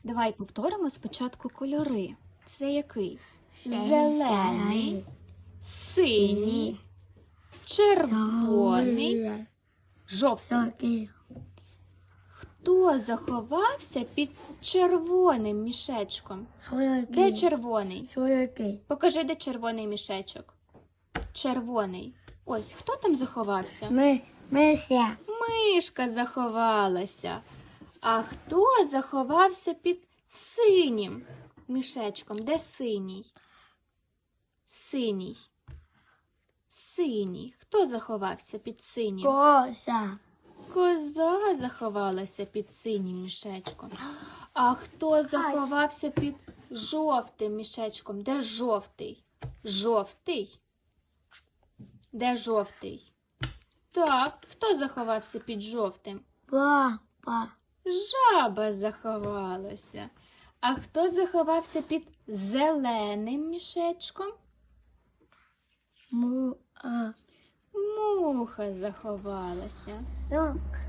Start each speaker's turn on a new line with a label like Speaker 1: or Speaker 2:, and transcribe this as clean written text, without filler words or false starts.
Speaker 1: Давай повторимо спочатку кольори. Це який?
Speaker 2: Зелений,
Speaker 1: Зелений, синій, червоний, жовтий. Хто заховався під червоним мішечком? Де червоний? Покажи, де червоний мішечок. Червоний. Ось, хто там заховався?
Speaker 2: Мися.
Speaker 1: Мишка заховалася. А хто заховався під синім мішечком? Де синій? Синій. Синій. Хто заховався під синім?
Speaker 2: Коза.
Speaker 1: Коза заховалася під синім мішечком. А хто заховався під жовтим мішечком? Де жовтий? Жовтий? Де жовтий? Так, хто заховався під жовтим?
Speaker 2: Папа.
Speaker 1: Жаба заховалася. А хто заховався під зеленим мішечком? Муха заховалася.